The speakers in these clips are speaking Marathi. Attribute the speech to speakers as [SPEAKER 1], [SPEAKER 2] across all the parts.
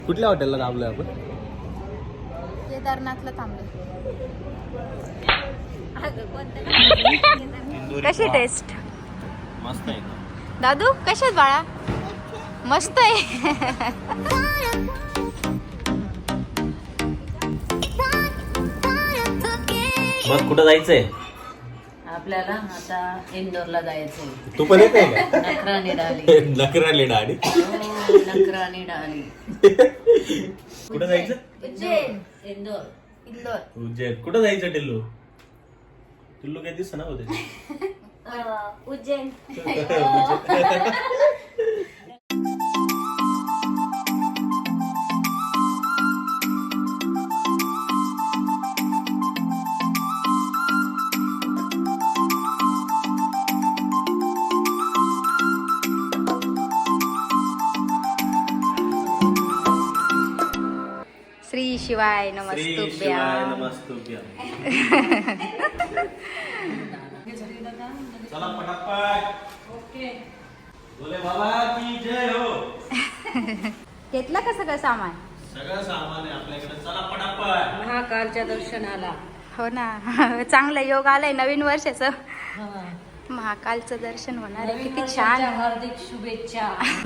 [SPEAKER 1] कुठल्या हॉटेलला थांबलोय आपण?
[SPEAKER 2] केदारनाथला थांबलोय. कशी टेस्ट?
[SPEAKER 1] मस्त आहे.
[SPEAKER 2] दादू कशी आहेत बाळा? मस्त आहे.
[SPEAKER 1] मग कुठं जायचंय
[SPEAKER 3] आपल्याला? आता इंदोरला जायचंय.
[SPEAKER 1] तू पण येते का?
[SPEAKER 3] नखराने डाली.
[SPEAKER 1] नखराली डाडी.
[SPEAKER 3] नखराने डाली.
[SPEAKER 1] कुठं जायचं?
[SPEAKER 2] उज्जैन.
[SPEAKER 3] इंदोर.
[SPEAKER 2] इंदोर.
[SPEAKER 1] उज्जैन. कुठं जायचं टिल्लू? टिल्लू काय दिसत ना होते.
[SPEAKER 2] उज्जैन. श्री शिवाय नमस्तुभ्याम.
[SPEAKER 1] चला पटापट.
[SPEAKER 3] ओके.
[SPEAKER 1] बोले बाबा की जय हो.
[SPEAKER 2] घेतलं का सगळं सामान?
[SPEAKER 1] सगळं सामान आहे आपल्याकडे. चला पटापट.
[SPEAKER 3] महाकालच्या दर्शनाला.
[SPEAKER 2] हो ना. चांगलं योग आलंय नवीन वर्षाचं. महाकालचं दर्शन होणार आहे. किती छान.
[SPEAKER 3] हार्दिक शुभेच्छा.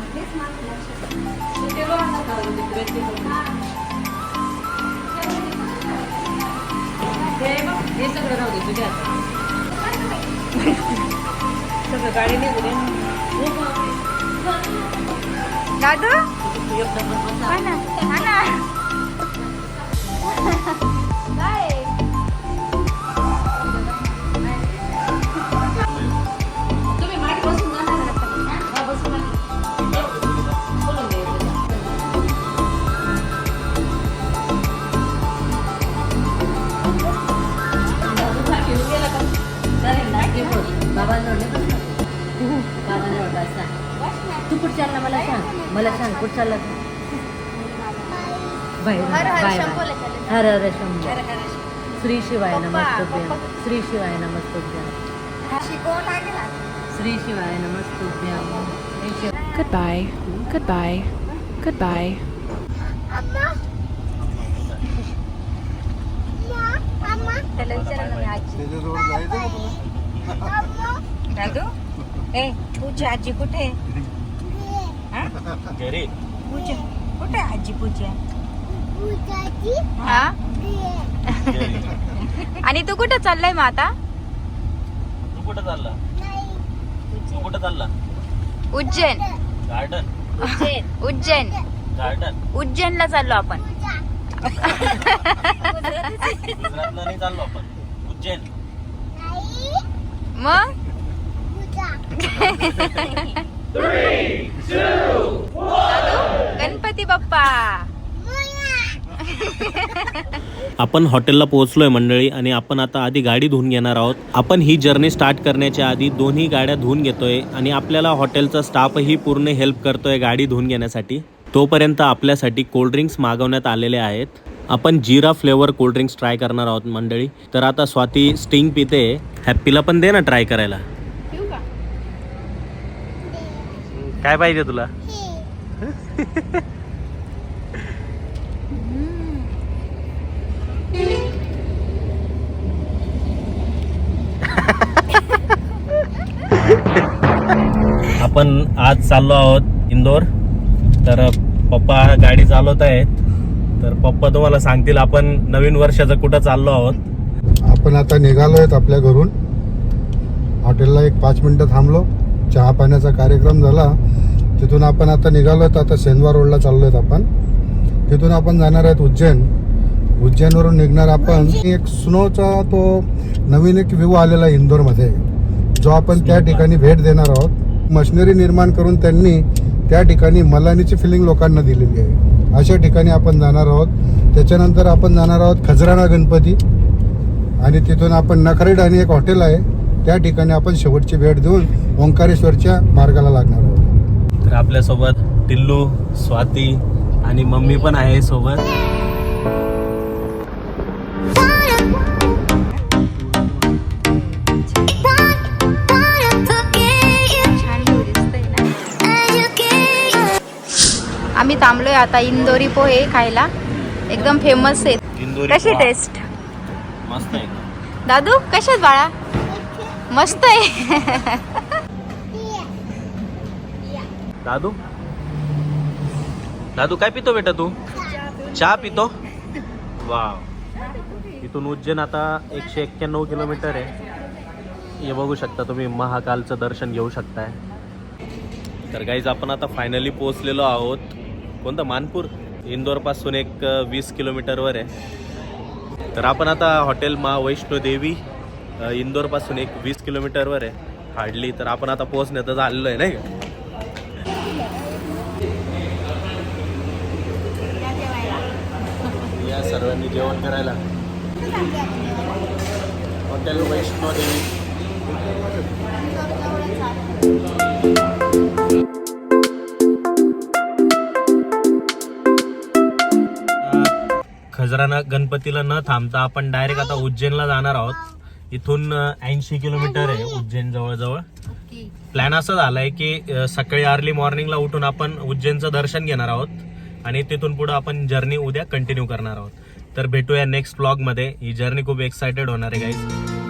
[SPEAKER 3] हे सगळं राहू दे तुझ्या सगळं गाडी नाही
[SPEAKER 2] दादू हा ना, हा ना. काय?
[SPEAKER 3] तुम्ही मागे बसून जाणार का? बसून बोलून द्यायचं. तू कुठं चालला मला सांग. मला सांग कुठं चालला तू? बाहेर
[SPEAKER 2] हर हर
[SPEAKER 3] बाहेर.
[SPEAKER 2] शंभोला चालेल.
[SPEAKER 3] हर हर शंभो.
[SPEAKER 2] हर हर
[SPEAKER 3] श्री शिवाय
[SPEAKER 2] पप्पा,
[SPEAKER 3] नमस्तुभ्यं.
[SPEAKER 2] पप्पा.
[SPEAKER 3] श्री शिवाय नमस्तुभ्यं.
[SPEAKER 2] शिकवून लागेल.
[SPEAKER 3] श्री शिवाय नमस्तुभ्यं. श्री शिवाय.
[SPEAKER 4] Goodbye. Goodbye. Goodbye.
[SPEAKER 2] त्याला विचारा ना मी आजी. दादू ए पूजा आजी कुठे?
[SPEAKER 1] घरी.
[SPEAKER 2] पूजा कुठे? आजी पूजा. हा. आणि तू कुठं चाललाय मग आता?
[SPEAKER 1] तू कुठं चालला? तू कुठं चालला?
[SPEAKER 2] उज्जैन.
[SPEAKER 1] गार्डन.
[SPEAKER 2] उज्जैन.
[SPEAKER 1] गार्डन.
[SPEAKER 2] उज्जैनला चाललो आपण.
[SPEAKER 1] गुजरातला नाही चाललो आपण. उज्जैन.
[SPEAKER 2] मग गणपती बाप्पा.
[SPEAKER 5] आपण हॉटेलला पोहोचलोय मंडळी आणि आपण आता आधी गाडी धुवून घेणार आहोत. आपण ही जर्नी स्टार्ट करण्याच्या आधी दोन्ही गाड्या धुवून घेतोय आणि आपल्याला हॉटेलचा स्टाफही पूर्ण हेल्प करतोय गाडी धुवून घेण्यासाठी. तोपर्यंत आपल्यासाठी कोल्ड्रिंक्स मागवण्यात आलेले आहेत. आपण जिरा फ्लेवर कोल्ड्रिंक्स ट्राय करणार आहोत मंडळी. तर आता स्वाती स्टिंग पिते. हॅप्पीला पण दे ना ट्राय करायला. काय पाहिजे तुला? आपण आज चाललो आहोत इंदोर. तर पप्पा गाडी चालवत आहेत. तर पप्पा तुम्हाला सांगतील आपण नवीन वर्षाचं कुठं चाललो आहोत.
[SPEAKER 6] आपण आता निघालो आहेत आपल्या घरून. हॉटेलला एक 5 मिनिटं थांबलो. चहा पाण्याचा कार्यक्रम झाला. तिथून आपण आता निघालो आहेत. आता सेंदवा रोडला चाललो आहेत आपण. तिथून आपण जाणार आहेत उज्जैन. उज्जैनवरून निघणार आपण. एक स्नोचा तो नवीन एक व्ह्यू आलेला आहे इंदोरमध्ये, जो आपण त्या ठिकाणी भेट देणार आहोत. मशिनरी निर्माण करून त्यांनी त्या ठिकाणी मलानीची फिलिंग लोकांना दिलेली आहे. अशा ठिकाणी आपण जाणार आहोत. त्याच्यानंतर आपण जाणार आहोत खजराना गणपती आणि तिथून आपण नखरेड आणि एक हॉटेल आहे त्या ठिकाणी आपण शेवटची भेट देऊन ओंकारेश्वरच्या मार्गाला लागणार आहोत.
[SPEAKER 5] तर आपल्यासोबत टिल्लू, स्वाती आणि मम्मी पण आहे सोबत.
[SPEAKER 2] आम्ही आम्ही थांबलोय आता इंदोरी पोहे खायला, एकदम फेमस आहेत.
[SPEAKER 5] इंदोरी
[SPEAKER 2] कशी
[SPEAKER 5] पोहा.
[SPEAKER 2] टेस्ट
[SPEAKER 5] मस्त आहे.
[SPEAKER 2] दादू? कशात बाळा? मस्त आहे.
[SPEAKER 5] दादू दादू काय पितो बेटा तू? चहा पितो? वाव. इथून उज्जैन आता 191 किलोमीटर आहे. हे बघू शकता तुम्ही, महाकालचं दर्शन घेऊ शकताय. तर गाईज आपण आता फायनली पोहोचलेलो आहोत. कोणतं? मानपूर. इंदोरपासून एक 20 किलोमीटरवर आहे. तर आपण आता हॉटेल मा वैष्णोदेवी इंदोरपासून एक 20 किलोमीटरवर आहे हार्डली. तर आपण आता पोहोचण्यातच आलेलो आहे नाही का. या सर्वांनी जेवण करायला हॉटेल वैष्णोदेवी. खजराना गणपतीला न थांबता आपण डायरेक्ट आता उज्जैनला जाणार आहोत. इथून 80 किलोमीटर आहे उज्जैन जवळजवळ. प्लॅन असा झालाय की सकाळी अर्ली मॉर्निंगला उठून आपण उज्जैनचं दर्शन घेणार आहोत आणि तिथून पुढे आपण जर्नी उद्या कंटिन्यू करणार आहोत. तर भेटूया नेक्स्ट व्लॉगमध्ये. ही जर्नी खूप एक्सायटेड होणार आहे गाईज.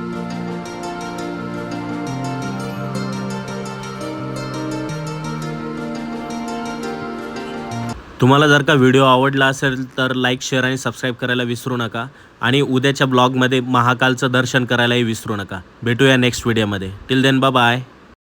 [SPEAKER 5] तुम्हाला जर का व्हिडिओ आवडला असेल तर लाईक, शेअर आणि सबस्क्राईब करायला विसरू नका. आणि उद्याच्या ब्लॉगमध्ये महाकालचं दर्शन करायलाही विसरू नका. भेटूया नेक्स्ट व्हिडिओमध्ये. Till then bye bye.